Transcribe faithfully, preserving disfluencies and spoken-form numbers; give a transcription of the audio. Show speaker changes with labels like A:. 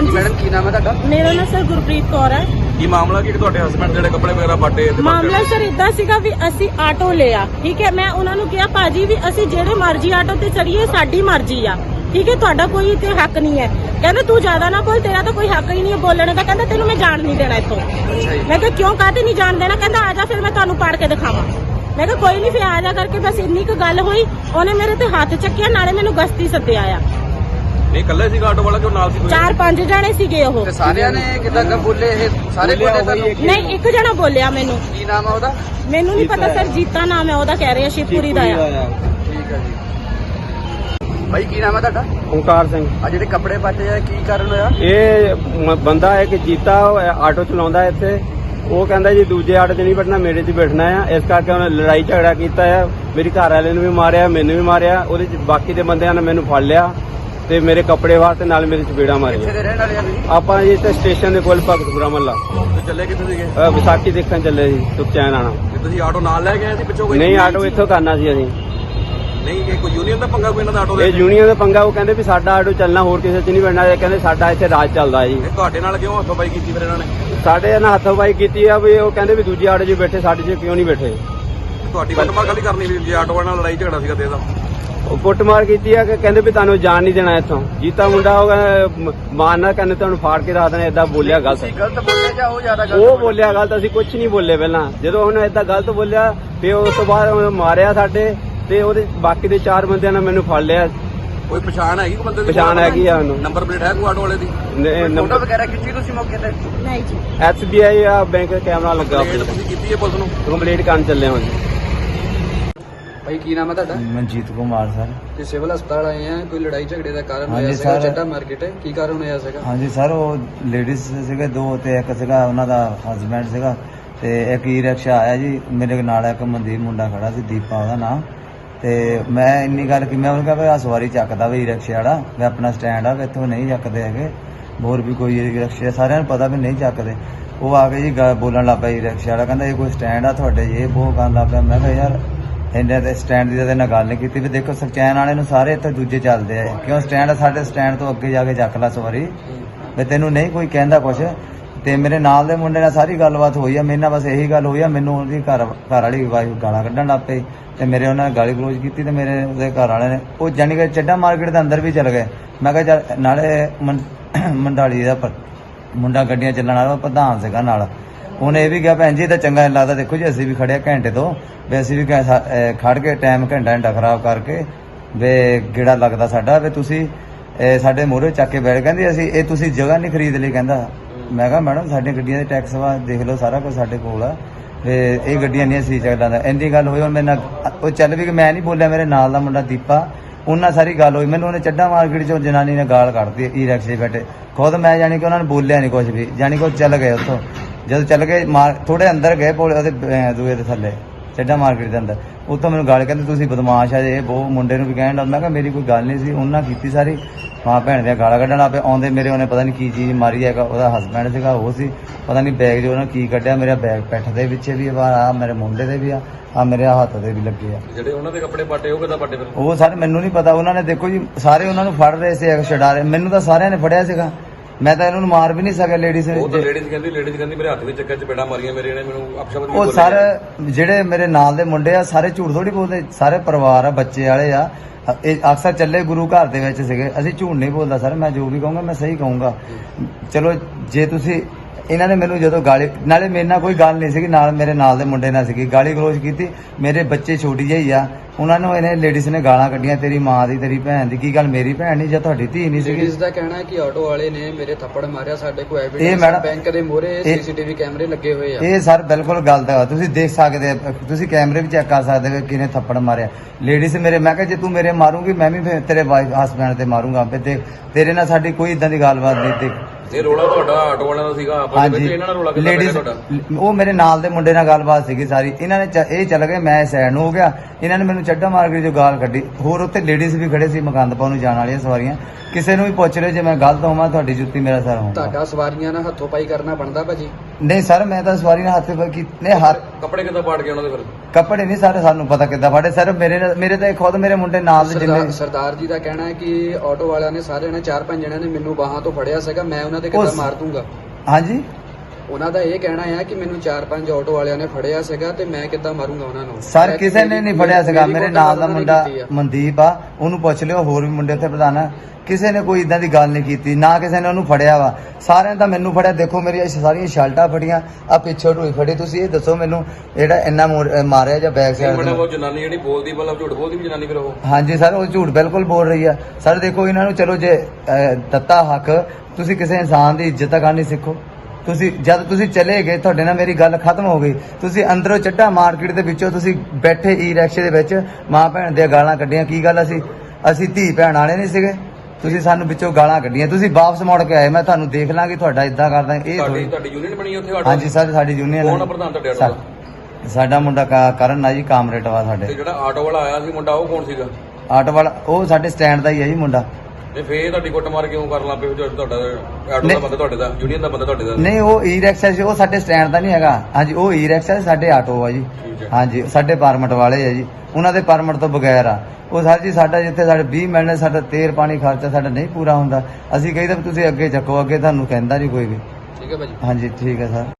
A: ਹਾਂਜੀ ਮੈਡਮ, ਕੀ ਨਾਮ ਹੈ ਤੁਹਾਡਾ?
B: ਮੇਰਾ ਨਾਮ ਸਰ ਗੁਰਪ੍ਰੀਤ ਕੌਰ ਹੈ।
C: ਕੀ ਮਾਮਲਾ ਕੀ ਤੁਹਾਡੇ ਹਸਬੰਡ ਜਿਹੜੇ ਕੱਪੜੇ ਵਗੈਰਾ ਪਾਟੇ ਤੇ
B: ਮਾਮਲਾ ਸਰ ਇਦਾਂ ਸੀਗਾ ਵੀ ਅਸੀਂ ਆਟੋ ਲਿਆ, ਠੀਕ ਹੈ। ਮੈਂ ਉਹਨਾਂ ਨੂੰ ਕਿਹਾ ਭਾਜੀ ਵੀ ਅਸੀਂ ਜਿਹੜੇ ਮਰਜ਼ੀ ਆਟੋ ਤੇ ਚੜੀਏ, ਸਾਡੀ ਮਰਜ਼ੀ ਆ, ਠੀਕ ਹੈ, ਤੁਹਾਡਾ ਕੋਈ ਇੱਥੇ ਹੱਕ ਨਹੀਂ ਹੈ। ਕਹਿੰਦੇ ਤੂੰ ਜ਼ਿਆਦਾ ਨਾ ਬੋਲ, ਤੇਰਾ ਤਾਂ ਕੋਈ ਹੱਕ ਹੀ ਨਹੀਂ ਹੈ ਬੋਲਣ ਦਾ। ਕਹਿੰਦਾ ਤੈਨੂੰ ਮੈਂ ਜਾਣ ਨਹੀਂ ਦੇਣਾ ਇੱਥੋਂ। ਮੈਂ ਕਿਹਾ ਕਿਉਂ, ਕਾਹਤੇ ਨਹੀਂ ਜਾਣ ਦੇਣਾ? ਕਹਿੰਦਾ ਆ ਜਾ ਫਿਰ ਮੈਂ ਤੁਹਾਨੂੰ ਪਾੜ ਕੇ ਦਿਖਾਵਾਂ। ਮੈਂ ਕਿਹਾ ਕੋਈ ਨਹੀਂ, ਫਿਰ ਆ ਜਾ ਕਰਕੇ ਬਸ ਇੰਨੀ ਕੁ ਗੱਲ ਹੋਈ। ਉਹਨੇ ਮੇਰੇ ਤੇ ਹੱਥ ਚੱਕਿਆ, ਨਾਲੇ ਮੈਨੂੰ ਗਸ਼ਤੀ ਸੱਦਿਆ ਆ।
C: ਨਹੀਂ ਕੱਲੇ ਸੀਗਾ ਆਟੋ ਵਾਲਾ, ਕਿਉਂ ਨਾਲ ਸੀ ਕੋਈ?
B: ਚਾਰ ਪੰਜ ਜਣੇ ਸੀਗੇ ਉਹ।
A: ਤੇ ਸਾਰਿਆਂ ਨੇ ਕਿਦਾਂ ਕ ਬੋਲੇ? ਇਹ ਸਾਰੇ ਬੋਲੇ ਤੁਹਾਨੂੰ?
B: ਨਹੀਂ, ਇੱਕ ਜਣਾ ਬੋਲਿਆ ਮੈਨੂੰ।
A: ਕੀ ਨਾਮ ਹੈ ਉਹਦਾ?
B: ਮੈਨੂੰ ਨਹੀਂ ਪਤਾ ਸਰ, ਜੀਤਾ ਨਾਮ ਹੈ ਉਹਦਾ, ਕਹਿ ਰਹੇ ਆ ਸ਼ਿਵਪੁਰੀ ਦਾ ਆ।
A: ਠੀਕ ਹੈ ਜੀ। ਭਾਈ ਕੀ ਨਾਮ ਹੈ ਤੁਹਾਡਾ?
D: ਓਂਕਾਰ ਸਿੰਘ।
A: ਆ ਜਿਹੜੇ ਕੱਪੜੇ ਪਾਟੇ ਆ ਕੀ ਕਾਰਨ ਹੋਇਆ?
D: ਇਹ ਮ- ਬੰਦਾ ਹੈ ਕਿ ਜੀਤਾ ਆਟੋ ਚਲਾਉਂਦਾ ਇੱਥੇ। ਉਹ ਕਹਿੰਦਾ ਜੀ ਦੂਜੇ ਆਟੋ 'ਚ ਨਹੀਂ ਬੈਠਣਾ, ਮੇਰੇ 'ਚ ਹੀ ਬੈਠਣਾ ਆ। ਇਸ ਕਰਕੇ ਉਹਨੇ ਲੜਾਈ ਝਗੜਾ ਕੀਤਾ ਆ। ਮੇਰੀ ਘਰ ਵਾਲੇ ਨੂੰ ਵੀ ਮਾਰਿਆ, ਮੈਨੂੰ ਵੀ ਮਾਰਿਆ। ਉਹਦੇ 'ਚ ਬਾਕੀ ਦੇ ਬੰਦਿਆਂ ਨੇ ਮੈਨੂੰ ਫੜ ਲਿਆ ਤੇ ਮੇਰੇ ਕੱਪੜੇ ਵਾਸਤੇ ਨਾਲ ਮੇਰੇ ਚਪੇੜਾ
A: ਕਿੱਥੇ
D: ਮਾਰੀਆਂ।
A: ਦੇ ਰਹਿਣ ਵਾਲੇ ਆ ਤੁਸੀਂ?
D: ਆਪਾਂ ਜੀ ਇੱਥੇ ਸਟੇਸ਼ਨ ਦੇ ਕੋਲ ਭਗਤਪੁਰਾ ਮਹੱਲਾ
C: ਤੇ ਚੱਲੇ ਕਿੱਥੇ ਸੀਗੇ?
D: ਅ, ਵਿਸਾਖੀ ਦੇਖਣ ਚੱਲੇ ਸੀ, ਸੁਖਚੈਨ ਆਣਾ।
C: ਤੇ ਤੁਸੀਂ ਆਟੋ ਨਾਲ ਲੈ ਕੇ ਆਏ ਸੀ ਪਿੱਛੋਂ ਕੋਈ?
D: ਨਹੀਂ, ਆਟੋ ਇੱਥੋਂ ਕਰਨਾ ਸੀ ਅਸੀਂ।
C: ਨਹੀਂ ਇਹ ਕੋਈ ਯੂਨੀਅਨ ਦਾ ਪੰਗਾ ਕੋਈ ਇਹਨਾਂ ਦਾ ਆਟੋ ਦਾ?
D: ਇਹ ਯੂਨੀਅਨ ਦਾ ਪੰਗਾ। ਉਹ ਕਹਿੰਦੇ ਵੀ ਸਾਡਾ ਆਟੋ ਚੱਲਣਾ, ਹੋਰ ਕਿਸੇ 'ਚ ਨਹੀਂ ਬੈਠਣਾ। ਇਹ ਕਹਿੰਦੇ ਸਾਡਾ ਇੱਥੇ ਰਾਜ ਚੱਲਦਾ ਜੀ।
C: ਇਹ ਤੁਹਾਡੇ ਨਾਲ ਕਿਉਂ ਹੱਥੋਂ ਪਾਈ ਕੀਤੀ ਫਿਰ ਇਹਨਾਂ ਨੇ?
D: ਸਾਡੇ ਨਾਲ ਹੱਥੋਂ-ਪਾਈ ਕੀਤੀ ਆ ਵੀ ਉਹ ਕਹਿੰਦੇ ਵੀ ਦੂਜੇ ਆਟੋ 'ਚ ਬੈਠੇ, ਸਾਡੇ 'ਚ ਕਿਉਂ ਨਹੀਂ ਬੈਠੇ।
C: ਤੁਹਾਡੀ ਕੁੱਟਮਾਰ ਖਾਲੀ ਕਰਨੀ ਸੀ ਜੇ ਆਟੋ ਵਾਲੇ ਨਾਲ ਲੜਾਈ ਝਗੜਾ ਸੀਗਾ ਤੇ ਇਹਦਾ?
D: ਉਹ ਕੁੱਟਮਾਰ ਕੀਤੀ ਆ ਕਿ ਕਹਿੰਦੇ ਵੀ ਤੁਹਾਨੂੰ ਜਾਣ ਨਹੀਂ ਦੇਣਾ ਇੱਥੋਂ। ਜੀਤਾ ਮੁੰਡਾ ਉਹ ਕਹਿੰਦਾ ਮਾਰਨਾ, ਕਹਿੰਦੇ ਤੁਹਾਨੂੰ ਫਾੜ ਕੇ ਰੱਖ ਦੇਣਾ। ਏਦਾਂ ਬੋਲਿਆ ਗਲਤ।
A: ਤੁਸੀਂ ਗਲਤ ਬੋਲੇ ਜਾਂ ਉਹ ਜ਼ਿਆਦਾ ਗਲਤ
D: ਉਹ
A: ਬੋਲੇ?
D: ਬੋਲਿਆ ਗਲਤ, ਅਸੀਂ ਕੁਝ ਨਹੀਂ ਬੋਲੇ ਪਹਿਲਾਂ। ਜਦੋਂ ਉਹਨੇ ਏਦਾਂ ਗਲਤ ਬੋਲਿਆ ਫਿਰ ਉਸ ਤੋਂ ਬਾਅਦ ਉਹਨੇ ਮਾਰਿਆ ਸਾਡੇ ਤੇ ਉਹਦੇ ਬਾਕੀ ਦੇ ਚਾਰ ਬੰਦਿਆਂ ਨੇ ਮੈਨੂੰ ਫੜ ਲਿਆ।
C: ਕੋਈ ਪਛਾਣ ਹੈਗੀ ਕੋਈ ਬੰਦੇ ਦੀ?
D: ਪਛਾਣ ਹੈਗੀ ਆ ਉਹਨੂੰ।
C: ਨੰਬਰ ਪਲੇਟ ਹੈ ਕੋਈ ਆਟੋ ਵਾਲੇ ਦੀ?
A: ਫੋਟੋ ਵਗੈਰਾ ਖਿੱਚੀ ਤੁਸੀਂ ਮੌਕੇ ਤੇ?
B: ਨਹੀਂ ਜੀ।
D: ਐਸ ਬੀ ਆਈ ਆ ਬੈਂਕ ਕੈਮਰਾ ਲੱਗਾ।
C: ਪਲੇਟ ਤੁਸੀਂ ਕੀਤੀ ਹੈ ਪੁਲਿਸ ਨੂੰ?
D: ਕੰਪਲੀਟ ਕਰਨ ਚੱਲੇ ਹਾਂ ਜੀ।
A: ਭਾਈ ਕੀ ਨਾਮ ਹੈ ਤੁਹਾਡਾ?
E: ਮਨਜੀਤ ਕੁਮਾਰ ਸਰ।
A: ਤੇ ਸਿਵਲ ਹਸਪਤਾਲ ਆਏ ਆ, ਕੋਈ ਲੜਾਈ ਝਗੜੇ ਦਾ ਕਾਰਨ
E: ਹਾਂਜੀ
A: ਹੋਇਆ ਸੀਗਾ
E: ਸਰ।
A: ਚੱਡਾ ਮਾਰਕੀਟ ਹੈ, ਕੀ ਕਾਰਨ ਹੋਇਆ ਸੀਗਾ?
E: ਹਾਂਜੀ ਸਰ, ਉਹ ਲੇਡੀਜ਼ ਸੀਗੇ ਦੋ ਤੇ ਇੱਕ ਸੀਗਾ ਉਹਨਾਂ ਦਾ ਹਸਬੈਂਡ ਸੀਗਾ ਤੇ ਇੱਕ ਈ ਰਿਕਸ਼ਾ ਆਇਆ ਜੀ ਮੇਰੇ ਨਾਲ। ਇੱਕ ਮਨਦੀਪ ਮੁੰਡਾ ਖੜਾ ਸੀ, ਦੀਪਾ ਉਹਦਾ ਨਾਂ। ਤੇ ਮੈਂ ਇੰਨੀ ਗੱਲ ਕਿ ਮੈਂ ਉਹਨੂੰ ਕਿਹਾ ਵੀ ਆ ਸਵਾਰੀ ਚੱਕਦਾ ਵੀ ਈ ਰਿਕਸ਼ੇ ਵਾਲਾ, ਮੈਂ ਆਪਣਾ ਸਟੈਂਡ ਆ, ਇੱਥੋਂ ਨਹੀਂ ਚੱਕਦੇ ਹੈਗੇ। ਹੋਰ ਵੀ ਕੋਈ ਈ ਰਿਕਸ਼ੇ ਸਾਰਿਆਂ ਨੂੰ ਪਤਾ ਵੀ ਨਹੀਂ ਚੱਕਦੇ। ਉਹ ਆ ਕੇ ਜੀ ਗ- ਬੋਲਣ ਲੱਗ ਪਿਆ ਈ ਰਿਕਸ਼ੇ ਵਾਲਾ, ਕਹਿੰਦਾ ਇਹ ਕੋਈ ਸਟੈਂਡ ਆ ਤੁਹਾਡੇ, ਇਹ ਬਹੁਤ ਗੱਲ ਲੱਗ ਪਿਆ। ਮੈਂ ਕਿਹਾ ਯਾਰ ਇੰਨੇ ਤੇ ਸਟੈਂਡ ਦੀ ਤਾਂ ਨਾਲ ਗੱਲ ਨਹੀਂ ਕੀਤੀ ਵੀ ਦੇਖੋ ਸੁਖਚੈਨ ਵਾਲੇ ਨੂੰ ਸਾਰੇ ਇੱਥੇ ਦੂਜੇ ਚੱਲਦੇ ਆ, ਕਿਉਂ ਸਟੈਂਡ ਸਾਡੇ ਸਟੈਂਡ ਤੋਂ ਅੱਗੇ ਜਾ ਕੇ ਚੱਕ ਲਾ ਸਵਾਰੀ ਵੀ ਤੈਨੂੰ ਨਹੀਂ ਕੋਈ ਕਹਿੰਦਾ ਕੁਛ। ਤੇ ਮੇਰੇ ਨਾਲ ਦੇ ਮੁੰਡੇ ਨਾਲ ਸਾਰੀ ਗੱਲਬਾਤ ਹੋਈ ਆ, ਮੇਰੇ ਨਾਲ ਬਸ ਇਹੀ ਗੱਲ ਹੋਈ ਆ। ਮੈਨੂੰ ਉਹਦੀ ਘਰ ਘਰ ਵਾਲੀ ਵਾਈਫ ਗਾਲਾਂ ਕੱਢਣ ਲੱਗ ਪਈ ਤੇ ਮੇਰੇ ਉਹਨਾਂ ਨੇ ਗਾਲੀ ਗਲੋਚ ਕੀਤੀ ਤੇ ਮੇਰੇ ਉਹਦੇ ਘਰ ਵਾਲੇ ਨੇ ਉਹ ਜਾਣੀ ਕਿ ਚੱਡਾ ਮਾਰਕੀਟ ਦੇ ਅੰਦਰ ਵੀ ਚਲ ਗਏ। ਮੈਂ ਕਿਹਾ ਚੱਲ ਨਾਲੇ ਮੰ- ਮੰਡਾਲੀ ਦਾ ਪ- ਮੁੰਡਾ ਗੱਡੀਆਂ ਚੱਲਣ ਵਾਲਾ ਪ੍ਰਧਾਨ ਸੀਗਾ ਨਾਲ, ਉਹਨੇ ਇਹ ਵੀ ਕਿਹਾ ਭੈਣ ਜੀ ਤਾਂ ਚੰਗਾ ਨਹੀਂ ਲੱਗਦਾ, ਦੇਖੋ ਜੀ ਅਸੀਂ ਵੀ ਖੜਿਆ ਘੰਟੇ ਤੋਂ ਵੀ ਅਸੀਂ ਵੀ ਕ- ਅਹ ਖੜ ਕੇ ਟਾਈਮ ਘੰਟਾ ਘੰਟਾ ਖਰਾਬ ਕਰਕੇ ਵੇ ਗੇੜਾ ਲੱਗਦਾ ਸਾਡਾ ਵੀ ਤੁਸੀਂ ਇਹ ਸਾਡੇ ਮੂਹਰੇ ਚੱਕ ਕੇ ਬੈਠ। ਕਹਿੰਦੀ ਅਸੀਂ ਇਹ ਤੁਸੀਂ ਜਗ੍ਹਾ ਨਹੀਂ ਖਰੀਦ ਲਈ। ਕਹਿੰਦਾ ਮੈਂ ਕਿਹਾ ਮੈਡਮ ਸਾਡੀਆਂ ਗੱਡੀਆਂ ਦੇ ਟੈਕਸ ਵਾ ਦੇਖ ਲਓ, ਸਾਰਾ ਕੁਝ ਸਾਡੇ ਕੋਲ ਆ ਤੇ ਇਹ ਗੱਡੀਆਂ ਨਹੀਂ ਅਸੀਂ ਚੱਲਾਂਦਾ। ਇੰਨੀ ਗੱਲ ਹੋਈ। ਹੁਣ ਮੇਰੇ ਨਾਲ ਉਹ ਚੱਲ ਵੀ ਕਿ ਮੈਂ ਨਹੀਂ ਬੋਲਿਆ, ਮੇਰੇ ਨਾਲ ਦਾ ਮੁੰਡਾ ਦੀਪਾ ਉਹਨਾਂ ਸਾਰੀ ਗੱਲ ਹੋਈ। ਮੈਨੂੰ ਉਹਨੇ ਚੱਡਾ ਮਾਰਕੀਟ ਚੋਂ ਜਨਾਨੀ ਨੇ ਗਾਲ ਕੱਢਤੀ ਈ ਰਿਕਸ਼ੇ ਬੈਠੇ ਖੁਦ। ਮੈਂ ਜਾਣੀ ਕਿ ਉਹਨਾਂ ਨੇ ਬੋਲਿਆ ਨਹੀਂ ਕੁਝ ਵੀ, ਜਾਣੀ ਕਿ ਉਹ ਚੱਲ ਗਏ ਉੱਥੋਂ। ਜਦੋਂ ਚੱਲ ਗਏ ਮਾਰ ਥੋੜੇ ਅੰਦਰ ਗਏ ਪੋਲੇ ਉਹਦੇ ਅਹ ਦੂਏ ਦੇ ਥੱਲੇ ਚੱਡਾ ਮਾਰਕੀਟ ਦੇ ਅੰਦਰ, ਉੱਥੋਂ ਮੈਨੂੰ ਗਾਲ ਕਹਿੰਦੇ ਤੁਸੀਂ ਬਦਮਾਸ਼ ਆ ਜੇ ਇਹ ਬਹੁਤ। ਮੁੰਡੇ ਨੂੰ ਵੀ ਕਹਿਣ ਲੱਗ। ਮੈਂ ਕਿਹਾ ਮੇਰੀ ਕੋਈ ਗੱਲ ਨਹੀਂ ਸੀ, ਉਹਨਾਂ ਕੀਤੀ ਸਾਰੀ ਮਾਂ ਭੈਣ ਦੀਆਂ ਗਾਲਾਂ ਕੱਢਣ ਲੱਗ ਪਏ। ਆਉਂਦੇ ਮੇਰੇ ਉਹਨੇ ਪਤਾ ਨਹੀਂ ਕੀ ਚੀਜ਼ ਮਾਰੀ ਹੈਗਾ, ਉਹਦਾ ਹਸਬੈਂਡ ਸੀਗਾ ਉਹ ਸੀ, ਪਤਾ ਨਹੀਂ ਬੈਗ ਜੋ ਉਹਨਾਂ ਕੀ ਕੱਢਿਆ। ਮੇਰਾ ਬੈਗ ਪਿੱਠ ਦੇ ਵਿੱਚ ਵੀ ਆ, ਮੇਰੇ ਮੁੰਡੇ ਦੇ ਵੀ ਆ, ਆ ਮੇਰੇ ਹੱਥ ਦੇ ਵੀ ਲੱਗੇ ਆ।
C: ਜਿਹੜੇ ਉਹਨਾਂ ਦੇ ਕੱਪੜੇ ਪਾਟੇ ਉਹ ਕਿੱਦਾਂ ਪਾਟੇ ਫਿਰ?
E: ਉਹ ਸਾਰੇ ਮੈਨੂੰ ਨਹੀਂ ਪਤਾ। ਉਹਨਾਂ ਨੇ ਦੇਖੋ ਜੀ ਸਾਰੇ ਉਹਨਾਂ ਨੂੰ ਫੜ ਰਹੇ ਸੀ, ਛਡਾ ਰਹੇ। ਮੈਨੂੰ ਤਾਂ ਸਾਰਿਆਂ ਨੇ ਫੜਿਆ ਸੀਗਾ, ਮੈਂ ਤਾਂ ਇਹਨਾਂ ਨੂੰ ਮਾਰ ਵੀ ਨਹੀਂ ਸਕਿਆ। ਲੇਡੀਜ਼
C: ਉਹ ਤਾਂ ਲੇਡੀਜ਼ ਕਹਿੰਦੀ ਲੇਡੀਜ਼ ਕਹਿੰਦੀ ਮੇਰੇ ਹੱਥ ਵਿੱਚ ਚੱਕਾ ਚਪੇੜਾ ਮਾਰੀਆਂ ਮੇਰੇ ਨੇ, ਮੈਨੂੰ ਅਪਸ਼ਬਦ ਵੀ
E: ਉਹ
C: ਬੋਲੇ।
E: ਸਾਰੇ ਜਿਹੜੇ ਮੇਰੇ ਨਾਲ ਦੇ ਮੁੰਡੇ ਆ ਸਾਰੇ ਝੂਠ ਥੋੜੀ ਬੋਲਦੇ, ਸਾਰੇ ਪਰਿਵਾਰ ਆ, ਬੱਚੇ ਵਾਲੇ ਆ। ਇਹ ਅਕਸਰ ਚੱਲੇ ਗੁਰੂ ਘਰ ਦੇ ਵਿੱਚ ਸੀਗੇ। ਅਸੀਂ ਝੂਠ ਨਹੀਂ ਬੋਲਦਾ ਸਰ, ਮੈਂ ਜੋ ਵੀ ਕਹੂੰਗਾ ਮੈਂ ਸਹੀ ਕਹੂੰਗਾ। ਚਲੋ ਜੇ ਤੁਸੀਂ ਇਹਨਾਂ ਨੇ ਮੈਨੂੰ ਜਦੋਂ ਗਾਲੀ, ਨਾਲੇ ਮੇਰੇ ਨਾਲ ਕੋਈ ਗੱਲ ਨਹੀਂ ਸੀਗੀ, ਨਾਲ ਮੇਰੇ ਨਾਲ ਦੇ ਮੁੰਡੇ ਨਾਲ ਸੀਗੀ, ਗਾਲੀ ਗਲੋਚ ਕੀਤੀ। ਮੇਰੇ ਬੱਚੇ ਛੋਟੀ ਜਿਹੀ ਆ, ਉਹਨਾਂ ਨੂੰ ਇਹਨੇ ਲੇਡੀਜ਼ ਨੇ ਗਾਲਾਂ ਕੱਢੀਆਂ, ਤੇਰੀ ਮਾਂ ਦੀ ਤੇਰੀ ਭੈਣ ਦੀ। ਕੀ ਗੱਲ ਮੇਰੀ ਭੈਣ ਨਹੀਂ ਜਾਂ ਤੁਹਾਡੀ ਧੀ ਨਹੀਂ ਸੀਗੀ?
A: ਲੇਡੀਜ਼ ਦਾ ਕਹਿਣਾ ਹੈ ਕਿ ਆਟੋ ਵਾਲੇ ਨੇ ਮੇਰੇ ਥੱਪੜ ਮਾਰਿਆ, ਸਾਡੇ ਕੋਲ
E: ਇਹ
A: ਐਵੀਡੈਂਸ
E: ਮੈਡਮ-
A: ਬੈਂਕ ਦੇ ਮੂਹਰੇ
E: ਇਹ-
A: ਸੀਸੀਟੀਵੀ ਕੈਮਰੇ ਲੱਗੇ ਹੋਏ ਆ।
E: ਇਹ ਸਰ ਬਿਲਕੁਲ ਗਲਤ ਹੈ, ਤੁਸੀਂ ਦੇਖ ਸਕਦੇ ਆ, ਤੁਸੀਂ ਕੈਮਰੇ ਵੀ ਚੈੱਕ ਕਰ ਸਕਦੇ ਹੋ ਕਿਹਨੇ ਥੱਪੜ ਮਾਰਿਆ। ਲੇਡੀਜ਼ ਮੇਰੇ, ਮੈਂ ਕਿਹਾ ਜੇ ਤੂੰ ਮੇਰੇ ਮਾਰੂਗੀ ਮੈਂ ਵੀ ਫਿਰ ਤੇਰੇ ਵਾਈਫ ਹਸਬੈਂਡ ਤੇ ਮਾਰੂੰਗਾ। ਤੇ ਤੇਰੇ ਨਾਲ ਸਾਡੀ ਕੋਈ ਇਦਾਂ ਦੀ ਗੱਲਬਾਤ ਨਹੀਂ। ਤੇ
C: ਇਹ ਰੋਲਾ ਤੁਹਾਡਾ ਆਟੋ ਵਾਲਿਆਂ ਦਾ ਸੀਗਾ ਆਪਸ ਵਿੱਚ,
E: ਹਾਂਜੀ
C: ਇਹਨਾਂ ਨਾਲ ਰੋਲਾ ਕਿੱਦਾਂ ਪਿਆ
E: ਲੇਡੀਜ਼
C: ਤੁਹਾਡਾ?
E: ਉਹ ਮੇਰੇ ਨਾਲ ਦੇ ਮੁੰਡੇ ਨਾਲ ਗੱਲਬਾਤ ਸੀਗੀ ਸਾਰੀ। ਇਹਨਾਂ ਨੇ ਚ- ਇਹ ਚੱਲ ਗਏ, ਮੈਂ ਸਾਈਡ ਨੂੰ ਹੋ ਗਿਆ। ਇਹਨਾਂ ਨੇ ਮੈਨੂੰ ਚੱਡਾ ਮਾਰ ਕੇ ਜੋ ਗਾਲ ਕੱਢੀ। ਹੋਰ ਉੱਥੇ ਲੇਡੀਜ਼ ਵੀ ਖੜੇ ਸੀ ਮਕੰਦਪਾ ਨੂੰ ਜਾਣ ਵਾਲੀਆਂ ਸਵਾਰੀਆਂ। ਕਿਸੇ ਨੂੰ ਵੀ ਪੁੱਛ ਲਿਓ ਜੇ ਮੈਂ ਗਲਤ ਹੋਵਾਂ ਤੁਹਾਡੀ ਜੁੱਤੀ ਮੇਰਾ ਸਰ ਹੋਊਗਾ।
A: ਤੁਹਾਡਾ ਸਵਾਰੀਆਂ ਨਾਲ ਹੱਥੋਂ ਪਾਈ ਕਰਨਾ ਬਣਦਾ ਭਾਜੀ?
E: ਨਹੀਂ ਸਰ ਮੈਂ ਤਾਂ ਸਵਾਰੀ ਨਾਲ ਹੱਥ ਕੀ ਨਹੀਂ ਹੱਥ
C: ਕੱਪੜੇ ਕਿੱਦਾਂ ਪਾੜ ਗਏ ਉਹਨਾਂ ਦੇ ਫਿਰ?
E: ਕੱਪੜੇ ਨਹੀਂ ਸਾਰੇ ਸਾਨੂੰ ਪਤਾ ਕਿੱਦਾਂ ਫਾੜੇ ਸਰ। ਮੇਰੇ ਨਾਲ- ਮੇਰੇ ਤਾਂ ਖੁਦ ਮੇਰੇ ਮੁੰਡੇ ਨਾਲ ਦੇ
A: ਸਰਦਾਰ
E: ਜਿੰਨੇ
A: ਸਰਦਾਰ ਜੀ ਦਾ ਕਹਿਣਾ ਹੈ ਕਿ ਆਟੋ ਵਾਲਿਆਂ ਨੇ ਸਾਰਿਆਂ ਨੇ ਚਾਰ ਪੰਜ ਜਣਿਆਂ ਨੇ ਮੈਨੂੰ ਬਾਹਾਂ ਤੋਂ ਫੜਿਆ ਸੀਗਾ, ਮੈਂ ਉਹਨਾਂ ਦੇ ਕਿੱਦਾਂ
E: ਉਸ-
A: ਮਾਰ ਦੂੰਗਾ।
E: ਹਾਂਜੀ
A: ਉਹਨਾਂ ਦਾ ਇਹ ਕਹਿਣਾ ਹੈ ਕਿ ਮੈਨੂੰ ਚਾਰ ਪੰਜ ਆਟੋ ਵਾਲਿਆਂ ਨੇ ਫੜਿਆ ਸੀਗਾ ਤੇ ਮੈਂ ਕਿੱਦਾਂ ਮਾਰੂੰਗਾ ਉਹਨਾਂ ਨੂੰ।
E: ਸਰ
A: ਮੈਂ-
E: ਕਿਸੇ ਨੇ ਨਹੀਂ ਫੜਿਆ ਸੀਗਾ।
A: ਮੇਰੀ
E: ਮੇਰੇ
A: ਕੁੱਟ
E: ਨਾਲ ਦਾ
A: ਉਹਨਾਂ ਨੇ
E: ਮੁੰਡਾ
A: ਕੀਤੀ ਆ।
E: ਮਨਦੀਪ ਆ, ਉਹਨੂੰ ਪੁੱਛ ਲਿਓ। ਹੋਰ ਵੀ ਮੁੰਡੇ ਉੱਥੇ ਪ੍ਰਧਾਨ ਆ, ਕਿਸੇ ਨੇ ਕੋਈ ਇਦਾਂ ਦੀ ਗੱਲ ਨਹੀਂ ਕੀਤੀ, ਨਾ ਕਿਸੇ ਨੇ ਉਹਨੂੰ ਫੜਿਆ ਵਾ। ਸਾਰਿਆਂ ਦਾ ਮੈਨੂੰ ਫੜਿਆ। ਦੇਖੋ ਮੇਰੀਆਂ ਸਾਰੀਆਂ ਸ਼ਰਟਾਂ ਫੜੀਆਂ, ਆ ਪਿੱਛੋਂ ਢੂਈ ਫੜੀ। ਤੁਸੀਂ ਇਹ ਦੱਸੋ ਮੈਨੂੰ ਜਿਹੜਾ ਇੰਨਾ ਮੋੜ- ਮਾਰਿਆ ਜਾਂ ਬੈਕ
C: ਇਹ ਮੈਡਮ
E: ਸਾਈਡ
C: ਉਹ ਜਨਾਨੀ ਜਿਹੜੀ ਬੋਲਦੀ ਮਤਲਬ ਝੂਠ ਬੋਲਦੀ ਵੀ ਜਨਾਨੀ ਫਿਰ ਉਹ?
E: ਹਾਂਜੀ ਸਰ ਉਹ ਝੂਠ ਬਿਲਕੁਲ ਬੋਲ ਰਹੀ ਆ। ਸਰ ਦੇਖੋ ਇਹਨਾਂ ਨੂੰ ਚਲੋ ਜੇ ਅਹ, ਦਿੱਤਾ ਹੱਕ, ਤੁਸੀਂ ਕਿਸੇ ਇਨਸਾਨ ਦੀ ਇੱਜ਼ਤ ਕਰਨੀ ਸਿੱਖੋ। ਤੁਸੀਂ ਜਦ ਤੁਸੀਂ ਚਲੇ ਗਏ ਤੁਹਾਡੇ ਨਾਲ ਮੇਰੀ ਗੱਲ ਖਤਮ ਹੋ ਗਈ। ਤੁਸੀਂ ਅੰਦਰੋਂ ਚੱਡਾ ਮਾਰਕੀਟ ਦੇ ਵਿੱਚੋਂ ਤੁਸੀਂ ਬੈਠੇ ਈ ਰਿਕਸ਼ੇ ਦੇ ਵਿੱਚ ਮਾਂ ਭੈਣ ਦੀਆਂ ਗਾਲਾਂ ਕੱਢੀਆਂ। ਕੀ ਗੱਲ ਅਸੀਂ ਅਸੀਂ ਧੀ ਭੈਣ ਵਾਲੇ ਨਹੀਂ ਸੀਗੇ? ਤੁਸੀਂ ਸਾਨੂੰ ਵਿੱਚੋਂ ਗਾਲਾਂ ਕੱਢੀਆਂ। ਤੁਸੀਂ ਵਾਪਸ ਮੁੜ ਕੇ ਆਏ, ਮੈਂ ਤੁਹਾਨੂੰ ਦੇਖ ਲਾਂਗੀ ਤੁਹਾਡਾ ਇਦਾਂ ਕਰਦਾ ਇਹ
C: ਤੁਹਾਡੀ
E: ਥੋੜ੍ਹੀ।
C: ਤੁਹਾਡੀ ਯੂਨੀਅਨ ਬਣੀ ਉੱਥੇ ਆਟੋ?
E: ਹਾਂਜੀ ਸਰ ਸਾਡੀ ਯੂਨੀਅਨ
C: ਕੌਣ ਆ ਪ੍ਰਧਾਨ ਤੁਹਾਡੇ ਆਟੋ ਦਾ?
E: ਸਾਡਾ ਮੁੰਡਾ ਕਾ- ਕਰਨ ਆ ਜੀ, ਕਾਮਰੇਟ ਵਾ
C: ਤੇ
E: ਸਾਡੇ।
C: ਜਿਹੜਾ ਆਟੋ ਵਾਲਾ ਆਇਆ ਸੀ ਮੁੰਡਾ ਉਹ ਕੌਣ ਸੀਗਾ?
E: ਆਟੋ ਵਾਲਾ ਉਹ ਸਾਡੇ ਸਟੈਂਡ ਦਾ ਹੀ ਹੈ ਜੀ ਮੁੰਡਾ।
C: ਤੇ ਫੇਰ ਤੁਹਾਡੀ ਕੁੱਟ ਮਾਰ ਕਿਉਂ ਕਰਨ ਲੱਗ ਪਏ? ਜਦੋਂ ਤੁਹਾਡਾ ਆਟੋ ਦਾ
E: ਨਹੀਂ।
C: ਬੰਦਾ ਤੁਹਾਡੇ ਦਾ, ਯੂਨੀਅਨ ਦਾ ਬੰਦਾ ਤੁਹਾਡੇ ਦਾ?
E: ਨਹੀਂ ਉਹ ਈ ਰਿਕਸ਼ਾ ਸੀ, ਉਹ ਸਾਡੇ ਸਟੈਂਡ ਦਾ ਨਹੀਂ ਹੈਗਾ। ਹਾਂਜੀ ਉਹ ਈ ਰਿਕਸ਼ਾ ਸਾਡੇ ਆਟੋ ਆ ਜੀ।
C: ਠੀਕ ਹੈ।
E: ਹਾਂਜੀ ਸਾਡੇ ਪਰਮਿਟ ਵਾਲੇ ਆ ਜੀ, ਉਹਨਾਂ ਦੇ ਪਰਮਿਟ ਤੋਂ ਬਗੈਰ ਆ ਉਹ। ਸਰ ਜੀ ਸਾਡਾ ਜਿੱਥੇ ਸਾਡੇ ਵੀਹ ਮਿੰਟ ਸਾਡਾ ਤੇਲ ਪਾਣੀ ਖਰਚਾ ਸਾਡਾ ਨਹੀਂ ਪੂਰਾ ਹੁੰਦਾ। ਅਸੀਂ ਕਹੀਦਾ ਵੀ ਤੁਸੀਂ ਅੱਗੇ ਚੱਕੋ, ਅੱਗੇ ਤੁਹਾਨੂੰ ਕਹਿੰਦਾ ਨਹੀਂ ਕੋਈ ਵੀ।
A: ਠੀਕ ਹੈ ਭਾਜੀ।
E: ਹਾਂਜੀ ਠੀਕ ਹੈ ਸਰ।